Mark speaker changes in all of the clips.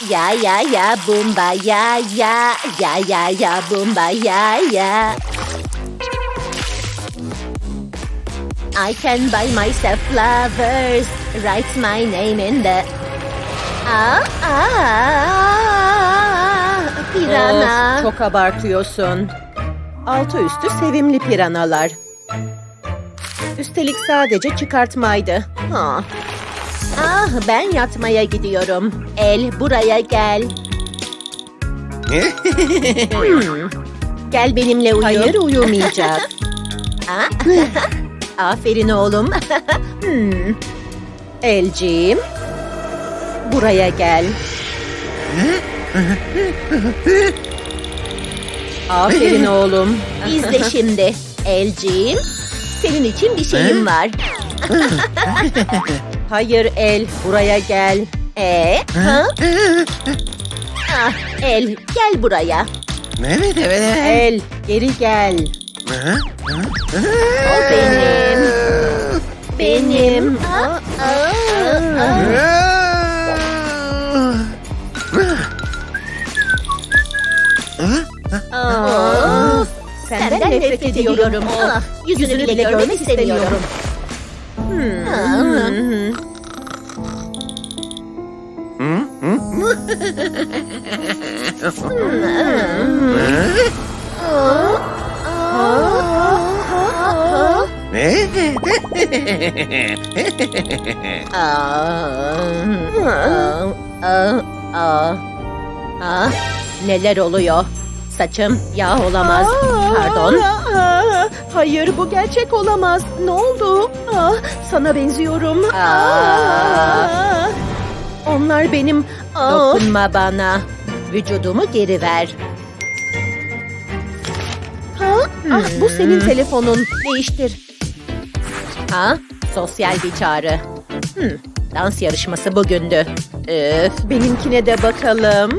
Speaker 1: Ya ya ya bumba ya ya ya ya ya bumba ya ya. I can buy myself flowers. Write my name in the... Pirana.
Speaker 2: Of, çok abartıyorsun. Altı üstü sevimli piranalar. Üstelik sadece çıkartmaydı.
Speaker 1: Ben yatmaya gidiyorum. El buraya gel. Gel benimle uyu.
Speaker 2: Hayır, uyumayacak.
Speaker 1: Aferin oğlum.
Speaker 2: Elciğim, buraya gel. Aferin oğlum.
Speaker 1: İzle şimdi. Elciğim, senin için bir şeyim var.
Speaker 2: Hayır El, buraya gel.
Speaker 1: El, gel buraya.
Speaker 3: Evet.
Speaker 2: El, geri gel.
Speaker 1: O benim. Benim. Senden nefret ediyorum. Yüzünü bile görmek istemiyorum. Neler oluyor? Saçım yağ olamaz. Pardon.
Speaker 2: Hayır, bu gerçek olamaz. Ne oldu? Sana benziyorum. Onlar benim...
Speaker 1: Dokunma bana. Vücudumu geri ver.
Speaker 2: Bu senin telefonun. Değiştir.
Speaker 1: Sosyal bir çağrı. Dans yarışması bugündü.
Speaker 2: Benimkine de bakalım.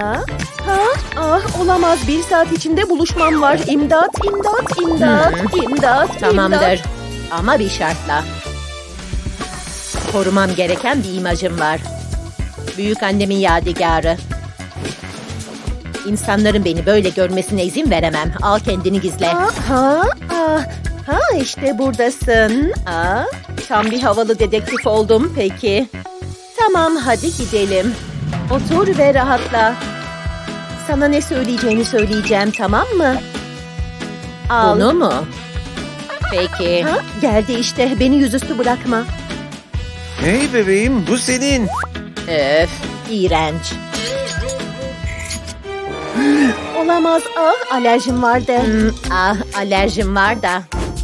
Speaker 2: Olamaz. 1 saat içinde buluşmam var. İmdat.
Speaker 1: Tamamdır. Ama bir şartla. Korumam gereken bir imajım var. Büyük annemin yadigarı. İnsanların beni böyle görmesine izin veremem. Al kendini gizle.
Speaker 2: İşte buradasın. Tam bir havalı dedektif oldum peki. Tamam, hadi gidelim. Otur ve rahatla. Sana ne söyleyeceğini söyleyeceğim, tamam mı? Al.
Speaker 1: Bunu mu? Peki.
Speaker 2: Geldi işte. Beni yüzüstü bırakma.
Speaker 3: Hey bebeğim, bu senin.
Speaker 1: Öf, iğrenç.
Speaker 2: Olamaz. Alerjim vardı.
Speaker 1: Alerjim var da.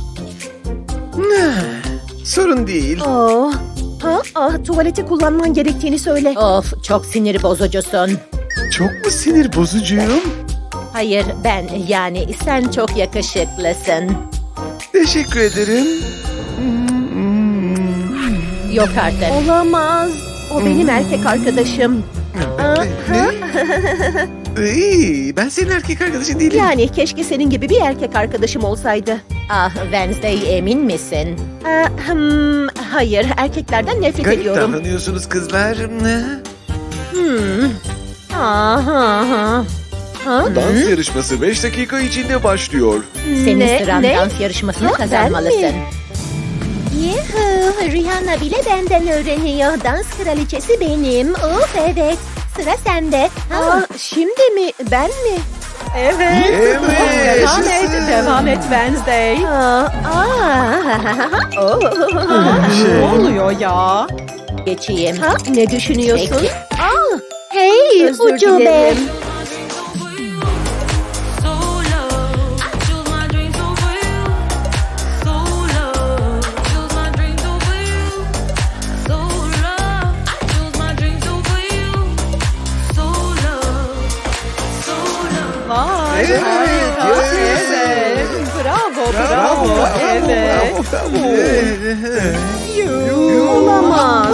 Speaker 3: Sorun değil.
Speaker 2: Tuvaleti kullanman gerektiğini söyle.
Speaker 1: Of, çok sinir bozucusun.
Speaker 3: Çok mu sinir bozucuyum?
Speaker 1: Hayır, yani sen çok yakışıklısın.
Speaker 3: Teşekkür ederim.
Speaker 1: Yok artık.
Speaker 2: Olamaz. O benim erkek arkadaşım.
Speaker 3: Ben senin erkek arkadaşın değilim.
Speaker 2: Yani keşke senin gibi bir erkek arkadaşım olsaydı.
Speaker 1: Wednesday, emin misin?
Speaker 2: Hayır, erkeklerden nefret
Speaker 3: Garip
Speaker 2: ediyorum.
Speaker 3: davranıyorsunuz kızlar. Dans yarışması 5 dakika içinde başlıyor.
Speaker 1: Senin sıran dans yarışmasını kazanmalısın.
Speaker 4: Yuhu, Rihanna bile benden öğreniyor. Dans kraliçesi benim. Of evet. Sıra sende.
Speaker 2: Şimdi mi? Ben mi? Evet. Devam et Wednesday. Ne oluyor ya?
Speaker 1: Geçeyim.
Speaker 2: Ne düşünüyorsun?
Speaker 1: Peki.
Speaker 4: Hey
Speaker 2: Özür
Speaker 4: ucube.
Speaker 2: dilerim. Vay.
Speaker 3: Evet,
Speaker 2: Evet. Bravo. Evet. Olamaz.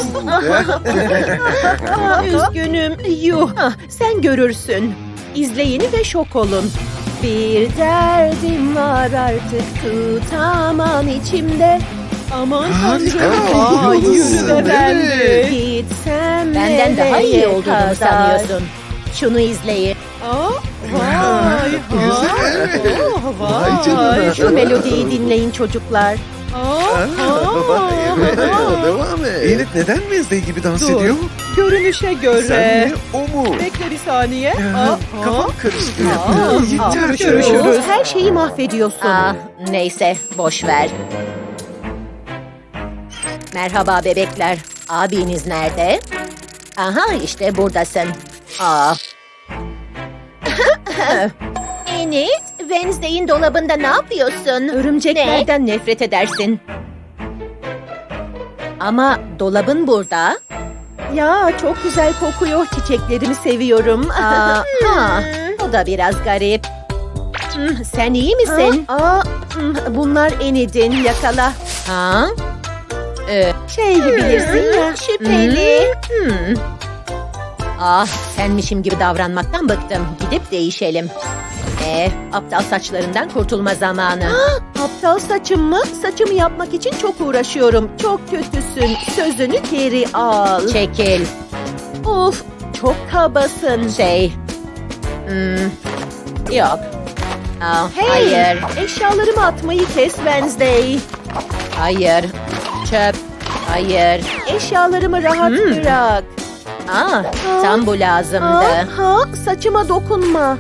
Speaker 2: Üzgünüm. Sen görürsün. İzleyin ve şok olun. Bir derdim var artık tutamam içimde. Aman
Speaker 3: Harika.
Speaker 2: tanrım. Ay,
Speaker 3: Yıldızsın,
Speaker 2: yürü be ben de.
Speaker 3: evet.
Speaker 2: Gitsem
Speaker 1: Benden daha iyi
Speaker 2: nereye
Speaker 1: olduğunu
Speaker 2: kadar?
Speaker 1: sanıyorsun. Şunu izleyin.
Speaker 2: Aa, vay.
Speaker 3: Güzel.
Speaker 2: Oh,
Speaker 3: Vay canına.
Speaker 2: Şu melodiyi dinleyin çocuklar.
Speaker 3: Devam et. Elif neden Wednesday gibi dans
Speaker 2: Dur.
Speaker 3: ediyor?
Speaker 2: Görünüşe göre.
Speaker 3: Sen mi o mu?
Speaker 2: Bekle bir saniye.
Speaker 3: Kafam karıştı. Yeter
Speaker 2: Görüşürüz. Her şeyi mahvediyorsun.
Speaker 1: Neyse, boş ver. Merhaba bebekler. Abiniz nerede? Aha, işte buradasın.
Speaker 4: Enid, Wednesday'in dolabında ne yapıyorsun?
Speaker 2: Örümceklerden nefret edersin.
Speaker 1: Ama dolabın burada.
Speaker 2: Ya çok güzel kokuyor. Çiçeklerimi seviyorum.
Speaker 1: Ha, o da biraz garip.
Speaker 2: Sen iyi misin? Bunlar Enid'in, yakala.
Speaker 1: Ha?
Speaker 2: Bilirsin ya.
Speaker 4: Şüpheli.
Speaker 1: Senmişim gibi davranmaktan bıktım. Gidip değişelim. Aptal saçlarından kurtulma zamanı.
Speaker 2: Aptal saçım mı? Saçımı yapmak için çok uğraşıyorum. Çok kötüsün. Sözünü geri al.
Speaker 1: Çekil.
Speaker 2: Of, çok kabasın.
Speaker 1: Yok.
Speaker 2: Hey,
Speaker 1: Hayır,
Speaker 2: eşyalarımı atmayı kes Wednesday.
Speaker 1: hayır. Çöp. Hayır.
Speaker 2: Eşyalarımı rahat bırak.
Speaker 1: Tam bu lazımdı.
Speaker 2: Saçıma dokunma.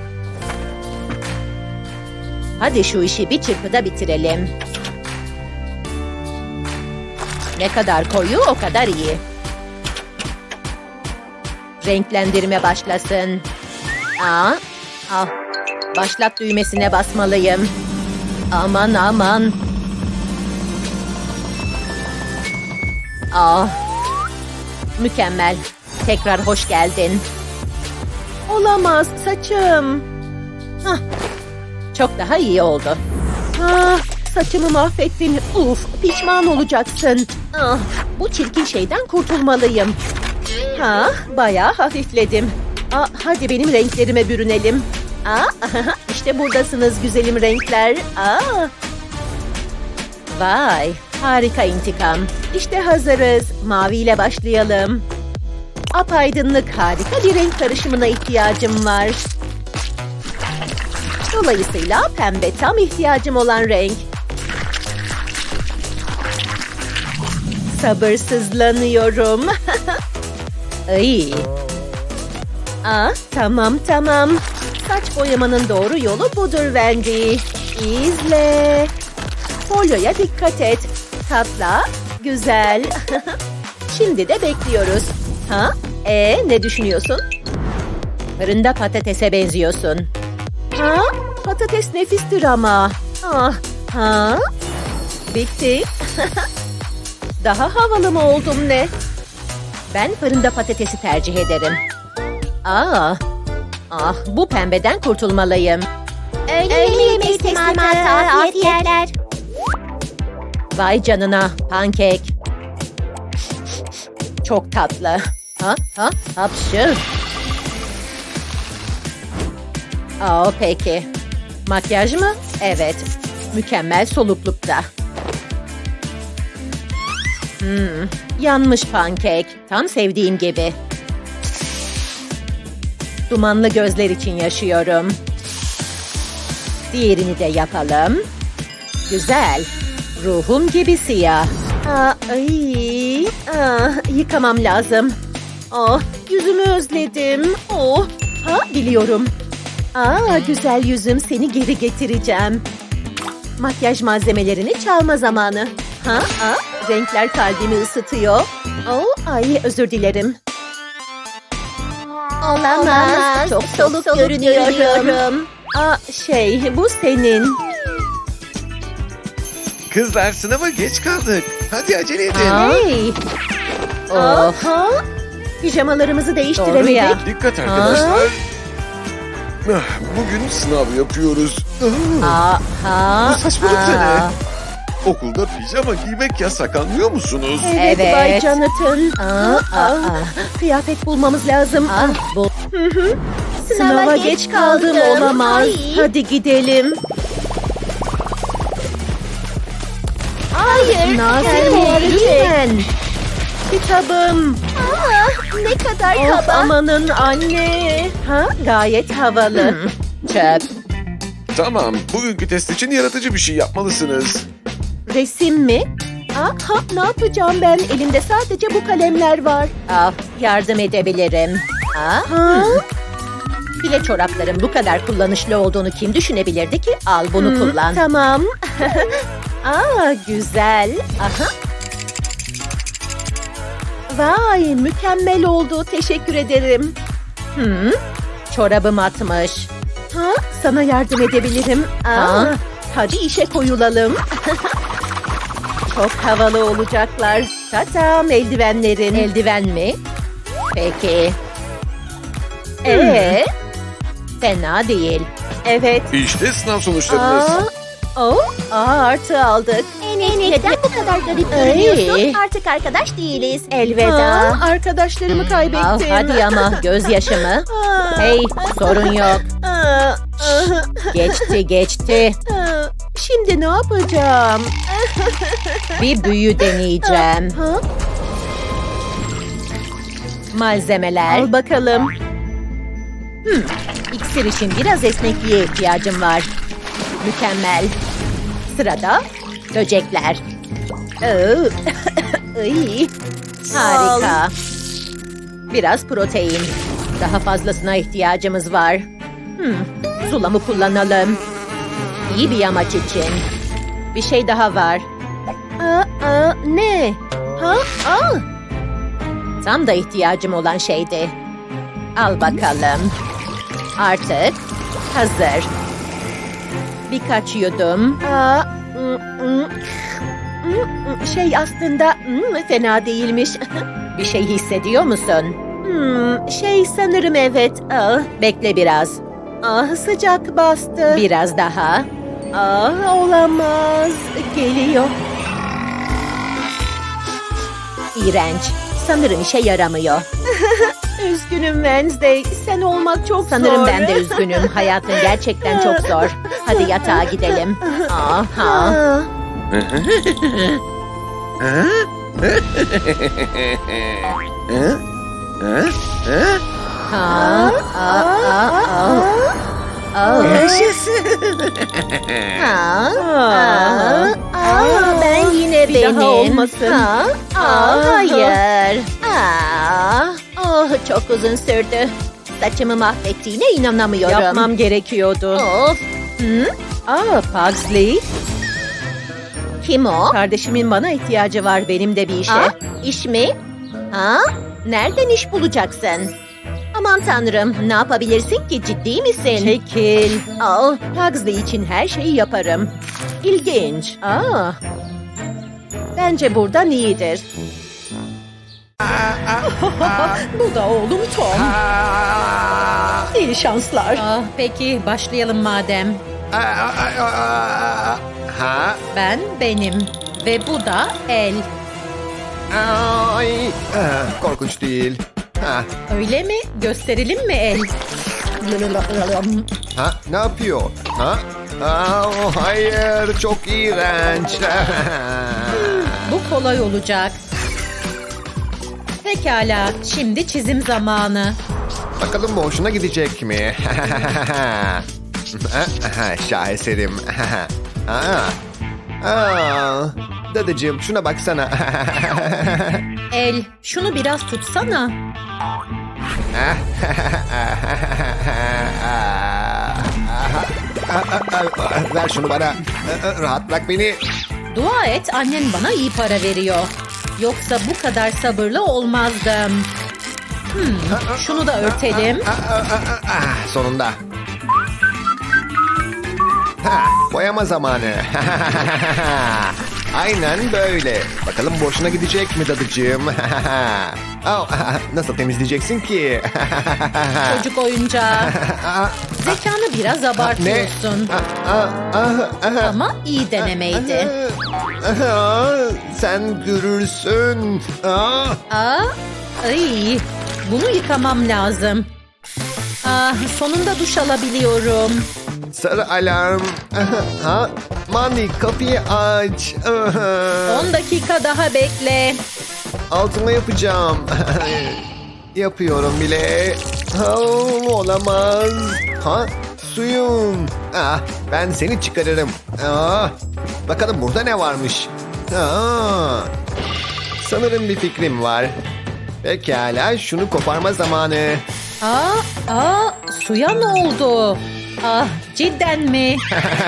Speaker 1: Hadi şu işi bir çırpıda bitirelim. Ne kadar koyu o kadar iyi. Renklendirme başlasın. Başlat düğmesine basmalıyım. Aman aman. Mükemmel. Tekrar hoş geldin.
Speaker 2: Olamaz saçım.
Speaker 1: Çok daha iyi oldu.
Speaker 2: Saçımı mahvettin. Pişman olacaksın. Bu çirkin şeyden kurtulmalıyım. Bayağı hafifledim. Hadi benim renklerime bürünelim. İşte buradasınız güzelim renkler.
Speaker 1: Vay, harika intikam.
Speaker 2: İşte hazırız. Maviyle başlayalım. Apaydınlık harika bir renk karışımına ihtiyacım var. Dolayısıyla pembe tam ihtiyacım olan renk. Sabırsızlanıyorum.
Speaker 1: Ay,
Speaker 2: Tamam. Saç boyamanın doğru yolu budur Wendy. İzle. Folyoya dikkat et. Katla. Güzel. Şimdi de bekliyoruz. Ne düşünüyorsun?
Speaker 1: fırında patatese benziyorsun.
Speaker 2: Patates nefistir ama. Bitti. Daha havalı mı oldum ne?
Speaker 1: Ben fırında patatesi tercih ederim. Bu pembeden kurtulmalıyım.
Speaker 4: Öğle yemeği teslimatı, afiyetler.
Speaker 1: Vay canına, pankek. Çok tatlı. Hapşır. Peki. Makyaj mı? Evet. Mükemmel soluklukta. Yanmış pankek. Tam sevdiğim gibi. Dumanlı gözler için yaşıyorum. Diğerini de yapalım. Güzel. Ruhum gibi siyah.
Speaker 2: Yıkamam lazım. Yüzümü özledim. Biliyorum. Güzel yüzüm, seni geri getireceğim. Makyaj malzemelerini çalma zamanı. Renkler kalbimi ısıtıyor. Özür dilerim.
Speaker 4: Olamaz. Çok soluk görünüyorum.
Speaker 2: Bu senin.
Speaker 3: Kızlar sınava geç kaldık. Hadi acele edin.
Speaker 2: Hey. Pijamalarımızı
Speaker 1: Doğru
Speaker 2: değiştiremedik.
Speaker 1: ya.
Speaker 3: Dikkat arkadaşlar. Bugün sınav yapıyoruz. Bu saçmalık da ne? Okulda pijama giymek yasak, anlıyor musunuz?
Speaker 2: Evet, Bay
Speaker 1: Evet.
Speaker 2: Jonathan. Kıyafet bulmamız lazım.
Speaker 1: Bu
Speaker 2: Sınava geç kaldım, olamaz.
Speaker 4: Ay.
Speaker 2: Hadi gidelim.
Speaker 4: Hayır.
Speaker 2: Nazik
Speaker 4: Hey.
Speaker 2: ol lütfen. Kitabım.
Speaker 4: Ne kadar
Speaker 2: Of,
Speaker 4: kaba.
Speaker 2: amanın anne. Ha, gayet havalı.
Speaker 1: Çöp.
Speaker 3: Tamam, bugünkü test için yaratıcı bir şey yapmalısınız.
Speaker 2: Resim mi? Ne yapacağım ben? Elimde sadece bu kalemler var.
Speaker 1: Ah, yardım edebilirim.
Speaker 2: Ha?
Speaker 1: File çorapların bu kadar kullanışlı olduğunu kim düşünebilirdi ki? Al bunu kullan.
Speaker 2: Tamam. Güzel. Aha. Vay, mükemmel oldu. Teşekkür ederim.
Speaker 1: Çorabım atmış.
Speaker 2: Sana yardım edebilirim.
Speaker 1: Ha?
Speaker 2: Hadi işe koyulalım. Çok havalı olacaklar. Tatam, eldivenlerin.
Speaker 1: Eldiven mi? Peki. Fena değil.
Speaker 2: Evet.
Speaker 3: İşte sınav sonuçlarınız.
Speaker 2: Artı aldık.
Speaker 4: Enes neden bu kadar garip görünüyorsun? Artık arkadaş değiliz.
Speaker 2: Elveda. Arkadaşlarımı kaybettim.
Speaker 1: Ah, hadi ama gözyaşımı.
Speaker 2: Aa,
Speaker 1: Hey, sorun yok.
Speaker 2: aa,
Speaker 1: Geçti.
Speaker 2: Şimdi ne yapacağım?
Speaker 1: Bir büyü deneyeceğim.
Speaker 2: Ha?
Speaker 1: Malzemeler.
Speaker 2: Al bakalım.
Speaker 1: İksir için biraz esnekliğe ihtiyacım var. Mükemmel. Sırada böcekler.
Speaker 2: Iy.
Speaker 1: Harika. Biraz protein. Daha fazlasına ihtiyacımız var. Zulamı kullanalım. İyi bir yamaç için. Bir şey daha var.
Speaker 2: Ne?
Speaker 1: Tam da ihtiyacım olan şeydi. Al bakalım. Artık hazır. Birkaç yudum.
Speaker 2: Şey aslında fena değilmiş.
Speaker 1: Bir şey hissediyor musun?
Speaker 2: Şey sanırım evet.
Speaker 1: Bekle biraz.
Speaker 2: Sıcak bastı.
Speaker 1: Biraz daha.
Speaker 2: Olamaz. Geliyor.
Speaker 1: İğrenç. Sanırım işe yaramıyor.
Speaker 2: Üzgünüm Wednesday. Sen olmak çok zor.
Speaker 1: Sanırım ben de üzgünüm. Hayatın gerçekten çok zor. Hadi yatağa gidelim. Aha. Ha. Ben yine
Speaker 2: Bir daha
Speaker 1: benim.
Speaker 2: olmasın.
Speaker 1: Hayır. Çok uzun sürdü. Saçımı mahvettiğine inanamıyorum.
Speaker 2: Yapmam gerekiyordu.
Speaker 1: Of.
Speaker 2: Pugsley.
Speaker 1: Kim o?
Speaker 2: Kardeşimin bana ihtiyacı var benim de bir işe.
Speaker 1: İş mi? Nereden iş bulacaksın? Aman tanrım, ne yapabilirsin ki, ciddi misin?
Speaker 2: Çekil.
Speaker 1: Pugsley için her şeyi yaparım.
Speaker 2: İlginç. Bence buradan iyidir. Bu da oğlum Tom. İyi şanslar.
Speaker 1: Peki, başlayalım madem.
Speaker 5: Ha?
Speaker 1: Ben benim ve bu da el.
Speaker 5: Ay, korkunç değil. Ha,
Speaker 1: Öyle mi? Gösterelim mi el?
Speaker 5: ha, ne yapıyor? Ha? Hayır, çok iğrenç.
Speaker 1: Bu kolay olacak. Pekala, şimdi çizim zamanı.
Speaker 5: Bakalım bu hoşuna gidecek mi? Şaheserim. Dadıcığım şuna baksana.
Speaker 1: El, şunu biraz tutsana.
Speaker 5: Ver şunu bana. Rahat bırak beni.
Speaker 1: Dua et, annen bana iyi para veriyor. Yoksa bu kadar sabırlı olmazdım. Şunu da örtelim.
Speaker 5: Sonunda. Boyama zamanı. Aynen böyle. Bakalım boşuna gidecek mi dadıcığım? Nasıl temizleyeceksin ki?
Speaker 1: Çocuk oyuncağı. Zekanı biraz abartıyorsun. Ama iyi denemeydi.
Speaker 5: Sen görürsün.
Speaker 1: Ay, bunu yıkamam lazım. Ah, sonunda duş alabiliyorum.
Speaker 5: Sarı alarm. Ha? Mani kapıyı aç.
Speaker 1: 10 dakika daha bekle.
Speaker 5: Altıma yapacağım. Yapıyorum bile. Olamaz. Ha? Suyum. Ben seni çıkarırım. Bakalım burada ne varmış. Sanırım bir fikrim var. Pekala, şunu koparma zamanı.
Speaker 1: Suya ne oldu? Ah, cidden mi?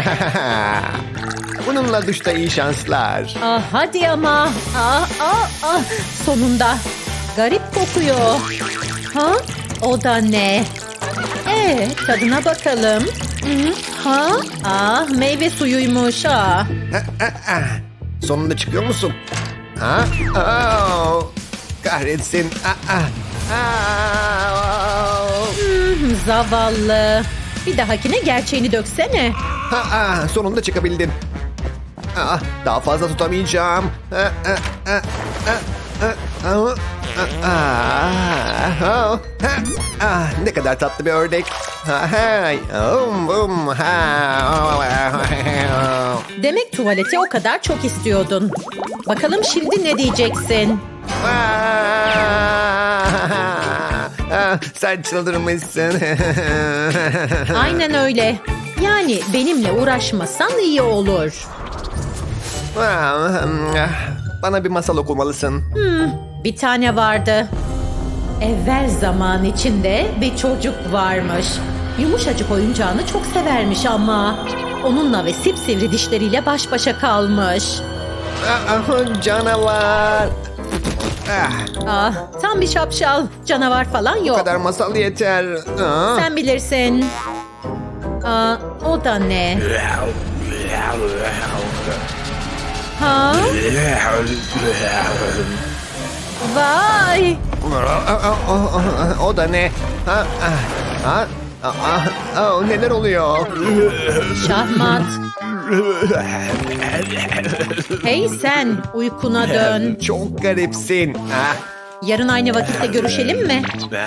Speaker 5: Bununla duşta iyi şanslar.
Speaker 1: Ah, hadi ama. Sonunda. Garip kokuyor. Ha? O da ne? Tadına bakalım. Meyve suyuymuş ha.
Speaker 5: Sonunda çıkıyor musun? Kahretsin.
Speaker 1: Zavallı. Bir dahakine gerçeğini döksene.
Speaker 5: Sonunda çıkabildim. Daha fazla tutamayacağım. Ne kadar tatlı bir ördek.
Speaker 1: Demek tuvaleti o kadar çok istiyordun. Bakalım şimdi ne diyeceksin?
Speaker 5: Sen çıldırmışsın.
Speaker 1: Aynen öyle. Yani benimle uğraşmasan iyi olur.
Speaker 5: Bana bir masal okumalısın.
Speaker 1: Bir tane vardı. Evvel zaman içinde bir çocuk varmış. Yumuşacık oyuncağını çok severmiş ama onunla ve sipsivri dişleriyle baş başa kalmış.
Speaker 5: Canavar.
Speaker 1: Tam bir şapşal. Canavar falan
Speaker 5: Bu
Speaker 1: yok.
Speaker 5: kadar masal yeter.
Speaker 1: Sen bilirsin. O da ne? Ha? Vay!
Speaker 5: O da ne? Neler oluyor?
Speaker 1: Şahmat. Hey sen, uykuna dön.
Speaker 5: Çok garipsin.
Speaker 1: Yarın aynı vakitte görüşelim mi?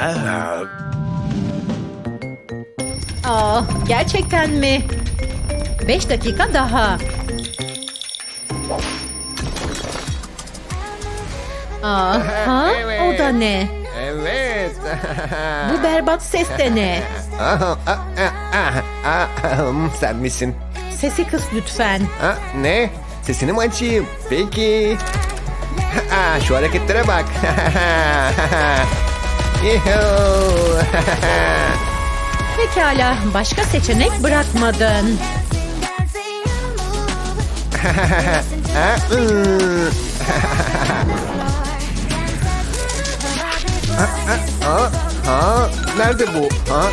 Speaker 1: Gerçekten mi? 5 dakika daha. O da ne?
Speaker 5: Evet.
Speaker 1: Bu berbat ses de ne?
Speaker 5: Sen misin?
Speaker 1: Sesi kıs lütfen.
Speaker 5: Ne? Sesini mi açayım? Peki. Şu hareketlere bak. Yuhuu.
Speaker 1: Pekala, başka seçenek bırakmadın.
Speaker 5: Nerede bu?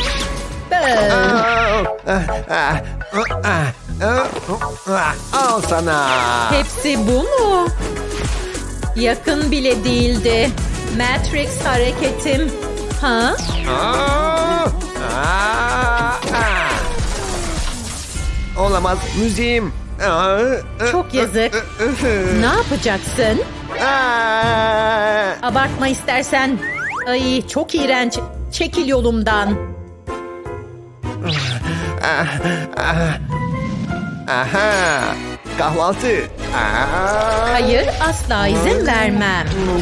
Speaker 5: Al sana.
Speaker 1: Hepsi bu mu? Yakın bile değildi. Matrix hareketim. Ha?
Speaker 5: Olamaz, müziğim.
Speaker 1: Çok yazık. Ne yapacaksın? Abartma istersen. Ay çok iğrenç. Çekil yolumdan.
Speaker 5: Aha, kahvaltı.
Speaker 1: Hayır, asla izin vermem.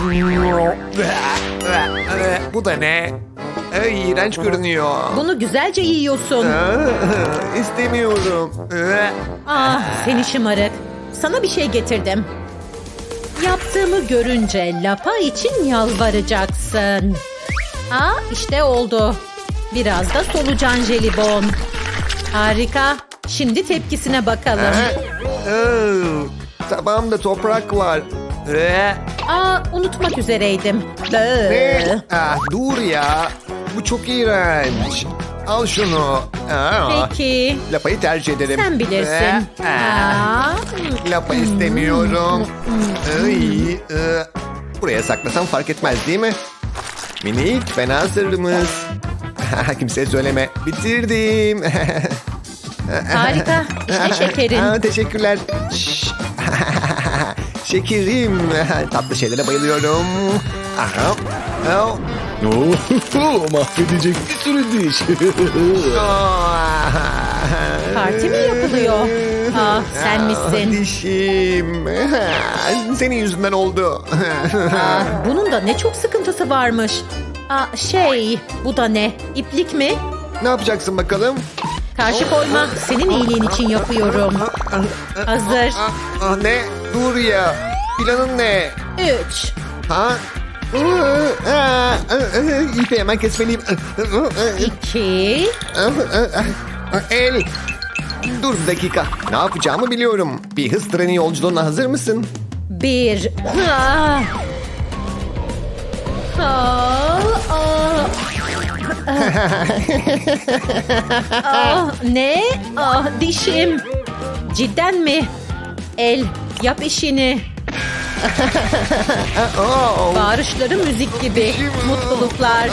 Speaker 5: Bu da ne? İğrenç görünüyor.
Speaker 1: Bunu güzelce yiyorsun.
Speaker 5: İstemiyorum.
Speaker 1: Seni şımarık. Sana bir şey getirdim. Yaptığımı görünce lapa için yalvaracaksın. İşte oldu. Biraz da solucan jelibon. Harika. Şimdi tepkisine bakalım.
Speaker 5: Tabağımda toprak var.
Speaker 1: Unutmak üzereydim.
Speaker 5: Ne? Dur ya. Bu çok iğrenç. Al şunu.
Speaker 1: Peki.
Speaker 5: Lapayı tercih ederim.
Speaker 1: Sen bilirsin.
Speaker 5: Lapa istemiyorum. Buraya saklasam fark etmez değil mi? Minik fena sırrımız. Kimseye söyleme. Bitirdim.
Speaker 1: Harika. İşte şekerin.
Speaker 5: Teşekkürler. Şşş. Şekerim. Tatlı şeylere bayılıyorum.
Speaker 6: Mahvedecek bir sürü diş.
Speaker 1: Parti mi yapılıyor? Ah, sen misin?
Speaker 5: Dişim. Senin yüzünden oldu.
Speaker 1: Ah, bunun da ne çok sıkıntısı varmış. Bu da ne? İplik mi?
Speaker 5: Ne yapacaksın bakalım?
Speaker 1: Karşı koyma. Senin iyiliğin için yapıyorum. Hazır.
Speaker 5: Ne? Dur ya. Planın ne?
Speaker 1: 3.
Speaker 5: Ha? İpi hemen kesmeliyim.
Speaker 1: 2.
Speaker 5: El. Dur bir dakika. Ne yapacağımı biliyorum. Bir hız treni yolculuğuna hazır mısın?
Speaker 1: 1. Ne? Dişim. Cidden mi? El, yap işini. Bağırışları müzik gibi. Mutluluklar.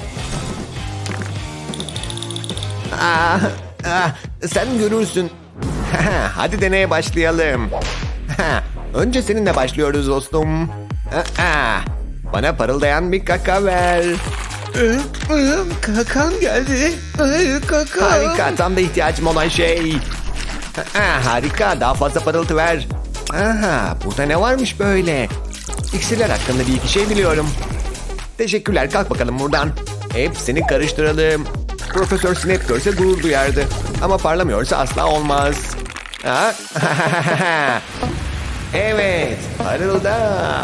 Speaker 5: Sen görürsün. Hadi deneye başlayalım. Önce seninle başlıyoruz dostum. Bana parıldayan bir kaka ver.
Speaker 3: Kakan geldi. Kaka.
Speaker 5: Harika, tam da ihtiyacım olan şey. Harika, daha fazla parıltı ver. Burada ne varmış böyle? İksirler hakkında bir iki şey biliyorum. Teşekkürler, kalk bakalım buradan. Hepsini karıştıralım. Profesör Snape görse gurur duyardı. Ama parlamıyorsa asla olmaz. Evet, parılda.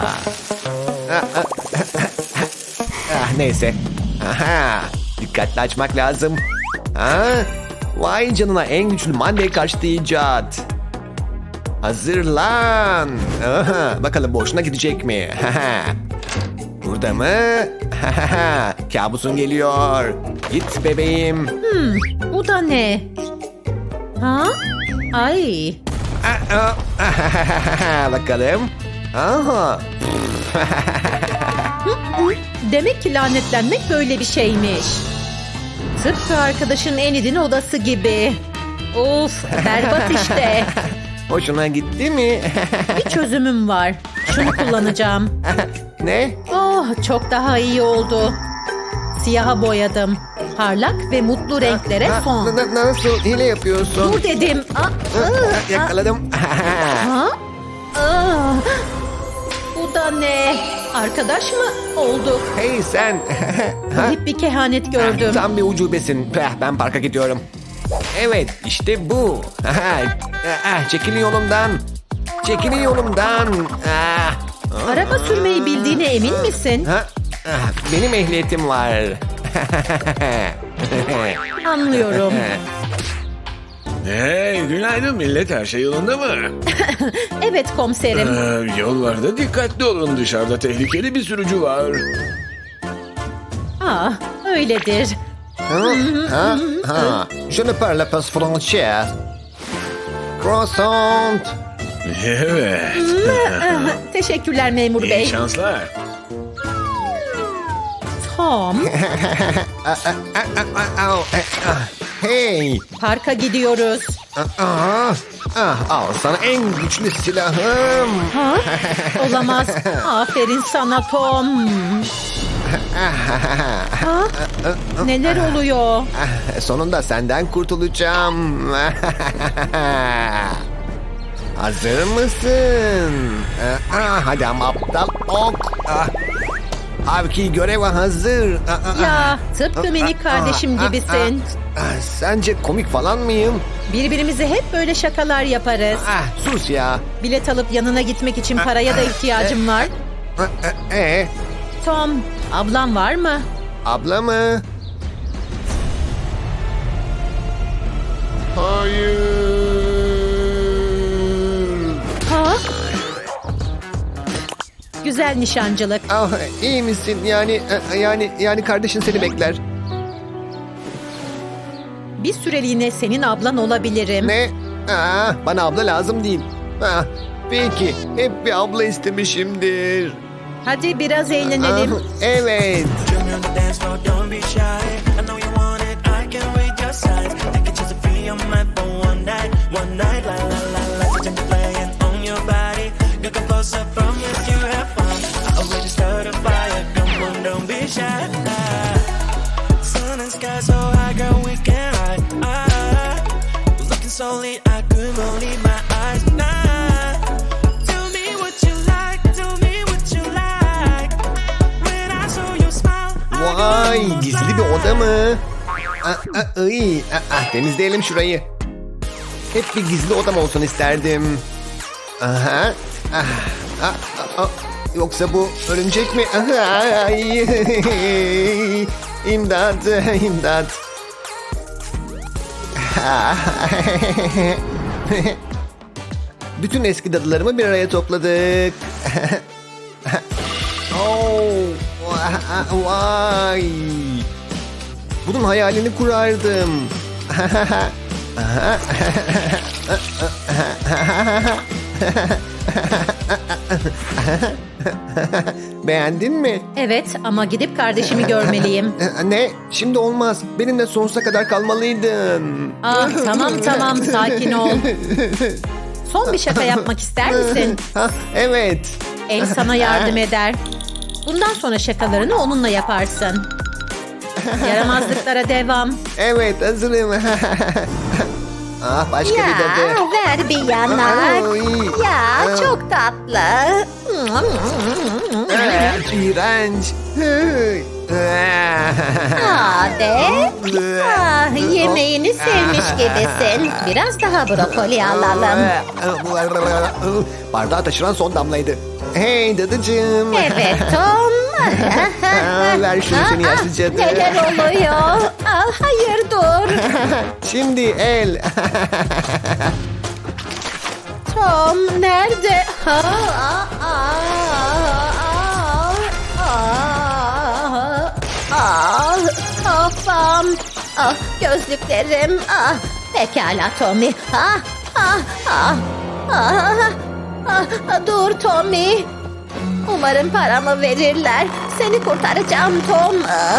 Speaker 5: Neyse. Dikkatli açmak lazım. Vay canına, en güçlü Monday karşıtı icat. Hazırlan. Bakalım boşuna gidecek mi? Burada mı? Kabusun geliyor. Git bebeğim.
Speaker 1: Bu da ne? Ay.
Speaker 5: Bakalım. Aha.
Speaker 1: Demek ki lanetlenmek böyle bir şeymiş. Tıpkı arkadaşın Enid'in odası gibi. Of, berbat işte.
Speaker 5: Hoşuna gitti mi?
Speaker 1: Bir çözümüm var. Şunu kullanacağım.
Speaker 5: Ne?
Speaker 1: Oh, çok daha iyi oldu. Siyaha boyadım. Parlak ve mutlu renklere son.
Speaker 5: Nasıl hile yapıyorsun?
Speaker 1: Dur dedim.
Speaker 5: Yakaladım.
Speaker 1: Bu da ne? Arkadaş mı olduk?
Speaker 5: Hey sen.
Speaker 1: Hep bir kehanet gördüm.
Speaker 5: Tam bir ucubesin. Ben parka gidiyorum. Evet, işte bu. Çekilin yolumdan. Çekilin yolumdan.
Speaker 1: Araba sürmeyi bildiğine emin misin?
Speaker 5: Benim ehliyetim var.
Speaker 1: Anlıyorum.
Speaker 6: Hey, günaydın millet, her şey yolunda mı?
Speaker 1: Evet komiserim.
Speaker 6: Yollarda dikkatli olun, dışarıda tehlikeli bir sürücü var.
Speaker 1: Öyledir.
Speaker 5: Je ne parle pas français. Croissant.
Speaker 6: Evet,
Speaker 1: Teşekkürler memur
Speaker 6: iyi
Speaker 1: bey.
Speaker 6: şanslar.
Speaker 1: Tom,
Speaker 5: Hey.
Speaker 1: parka gidiyoruz.
Speaker 5: Al sana en güçlü silahım.
Speaker 1: Olamaz. Aferin sana Tom. Neler oluyor?
Speaker 5: Sonunda senden kurtulacağım. Hazır mısın? Hadi ama aptal ok. Avki görev hazır.
Speaker 1: Ya, tıpkı minik kardeşim gibisin.
Speaker 5: Sence komik falan mıyım?
Speaker 1: Birbirimize hep böyle şakalar yaparız.
Speaker 5: Sus ya.
Speaker 1: Bilet alıp yanına gitmek için paraya da ihtiyacım var. Tom, ablam var mı?
Speaker 5: Abla mı? Hayır.
Speaker 1: Güzel nişancılık.
Speaker 5: İyi misin? Yani kardeşin seni bekler.
Speaker 1: Bir süreliğine senin ablan olabilirim.
Speaker 5: Ne? Bana abla lazım değil. Peki, hep bir abla istemişimdir.
Speaker 1: Hadi biraz eğlenelim.
Speaker 5: Evet.
Speaker 7: Join me on the dance floor, don't be shy. I know you want it, I can't wait your size. Take a chance to free your mind for one night, la la la la. Such a playing on your body. You can post up from yes, you have fun. I already started a fire. Come on, don't be shy. sky so high, girl, we can ride. Looking so lean, I couldn't believe my eyes. Nah, tell me what you like, tell me what you like. When I saw your smile,
Speaker 5: Vay, gizli bir oda mı? Temizleyelim şurayı. Hep bir gizli odam olsun isterdim. Aha. Yoksa bu örümcek mi? Ay. İmdat, imdat. Bütün eski dadılarımı bir araya topladık. Vay. Bunun hayalini kurardım. Beğendin mi?
Speaker 1: Evet ama gidip kardeşimi görmeliyim.
Speaker 5: Ne? Şimdi olmaz. Benimle sonsuza kadar kalmalıydın.
Speaker 1: Ah tamam sakin ol. Son bir şaka yapmak ister misin?
Speaker 5: Evet.
Speaker 1: El sana yardım eder. Bundan sonra şakalarını onunla yaparsın. Yaramazlıklara devam.
Speaker 5: Evet, hazırım. Başka bir dadı.
Speaker 4: ver bir yanak.
Speaker 5: Ay.
Speaker 4: Ya çok tatlı.
Speaker 5: İğrenç.
Speaker 4: Hadi. Yemeğini sevmiş gibisin. Biraz daha brokoli alalım.
Speaker 5: Bardağı taşıran son damlaydı. Hey dadıcığım.
Speaker 4: Evet Tom.
Speaker 5: Ver şunu seni yaşlı cadı.
Speaker 4: Neler oluyor? Hayır dur.
Speaker 5: Şimdi el.
Speaker 4: Tom nerede? Kafam. Gözlüklerim. Pekala Tommy. Dur Tommy. Umarım paramı verirler. Seni kurtaracağım Tom.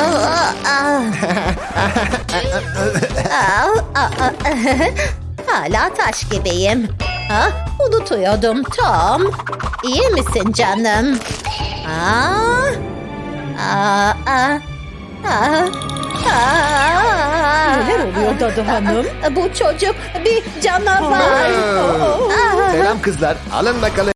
Speaker 4: Hala taş gibiyim. Unutuyordum Tom. İyi misin canım?
Speaker 1: Neler oluyor Dadı Hanım?
Speaker 4: Bu çocuk bir canavar.
Speaker 5: Selam kızlar. Alın bakalım.